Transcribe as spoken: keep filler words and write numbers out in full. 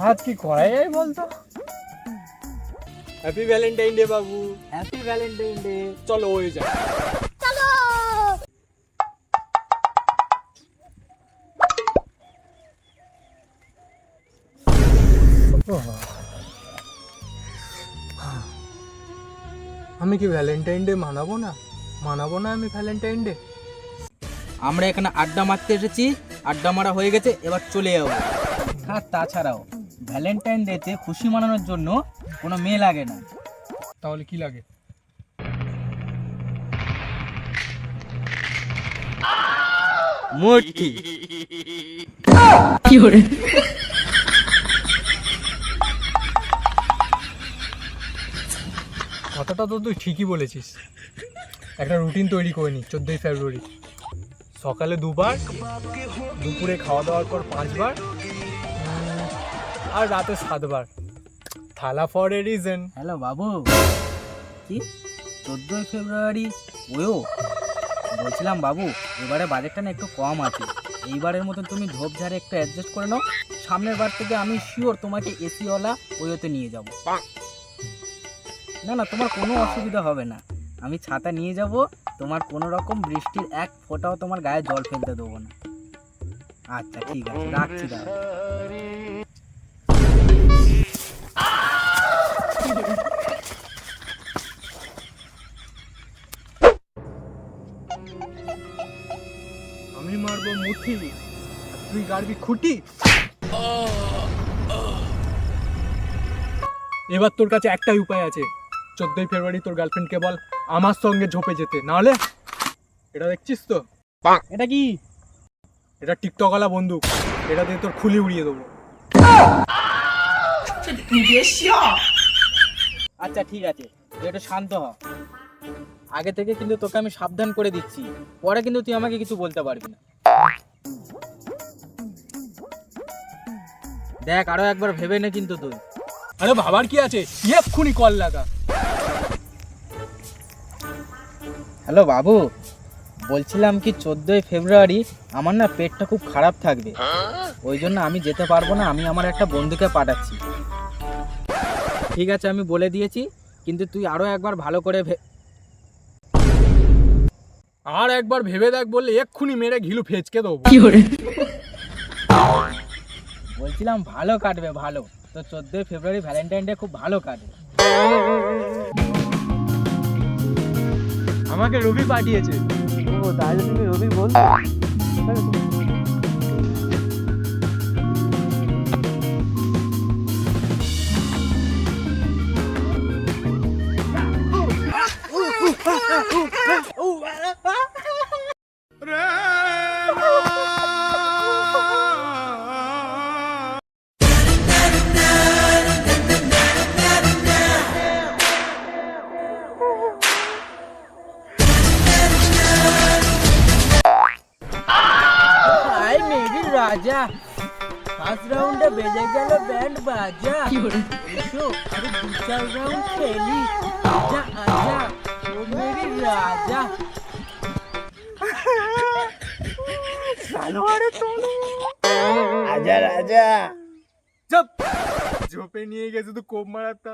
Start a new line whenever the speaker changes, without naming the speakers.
আজ কি করা যায় বলতো? হ্যাপি ভ্যালেন্টাইন ডে বাবু।
Happy Valentine day.
চলো ওই যাই।
চলো।
আমি কি ভ্যালেন্টাইন ডে মানাবো না? মানাবো না আমি ভ্যালেন্টাইন ডে।
আমরা এখানে আড্ডা মারতে এসেছি, আড্ডা মারা হয়ে গেছে, এবার চলে যাবো। আর তাছাড়াও ভ্যালেন্টাইন ডেতে খুশি মানানোর জন্য কোনো মেয়ে লাগে না।
তাহলে কি লাগে?
মূর্তি।
কি করে?
কথাটা তো তুই ঠিকই বলেছিস। একটা রুটিন তৈরি করে নি। চোদ্দোই ফেব্রুয়ারি সকালে দুবার, দুপুরে খাওয়া দাওয়ার পর পাঁচবার, উম, আর রাতে সাতবার। থালা ফর এ রিজন।
হ্যালো বাবু, কি চোদ্দোই ফেব্রুয়ারি? ওয়ো বলছিলাম বাবু, এবারে বাজেটটা না একটু কম আছে। এইবারের মতন তুমি ঝোপঝাড়ে একটু অ্যাডজাস্ট করে নাও। সামনের বার থেকে আমি শিওর তোমাকে এসিওয়ালা ওয়োতে নিয়ে যাব। না না, তোমার কোনো অসুবিধা হবে না। আমি ছাতা নিয়ে যাব, তোমার কোনো রকম বৃষ্টির এক ফোঁটাও তোমার গায়ে জল ফেলতে দেবো না। আচ্ছা ঠিক আছে, রাখছি দাদা।
আমি মারবো মুঠি, তুই গাড়বি খুঁটি। এবার তোর কাছে একটাই উপায় আছে। চোদ্দোই ফেব্রুয়ারি তোর গার্লফ্রেন্ডকে বল আমার সঙ্গে ঝোপে যেতে, নাহলে এটা দেখছিস তো,
এটা কি?
এটা টিকটকওয়ালা বন্দুক, এটা দিয়ে তোর খুলি উড়িয়ে দেবো।
আচ্ছা ঠিক আছে, তুই একটু শান্ত হ। আগে থেকে কিন্তু তোকে আমি সাবধান করে দিচ্ছি, পরে কিন্তু তুই আমাকে কিছু বলতে পারবি না। দেখ, আরো একবার ভেবে নে কিন্তু তুই।
আরে ভাবার কি আছে, এক্ষুনি কল লাগা।
হ্যালো বাবু, বলছিলাম কি চোদ্দোই ফেব্রুয়ারি আমার না পেটটা খুব খারাপ থাকবে, ওই জন্য আমি যেতে পারবো না। আমি আমার একটা বন্ধুকে পাঠাচ্ছি। ঠিক আছে, আমি বলে দিয়েছি, কিন্তু তুই আরো একবার ভালো করে ভে-
আর একবার ভেবে দেখ বললে এক্ষুনি মেরে ঘিলু ফেচকে দেবো।
কি করে?
বলছিলাম ভালো কাটবে, ভালো। তো চোদ্দোই ফেব্রুয়ারি ভ্যালেন্টাইন ডে খুব ভালো কাটবে।
আমাকে রবি পাঠিয়েছে।
ও তাহলে তুমি রবি বল। আই মেরি রাজা, ফার্স্ট রাউন্ডে বেজে গেল ব্যান্ড বাজা।
কি করে?
এসো আরে দু চার রাউন্ড খেলি। আজা আজা ও মেরি রাজা। আজা রাজা।
চুপ, ঝোপে নিয়ে গেছে তো কোপ মারার তাল।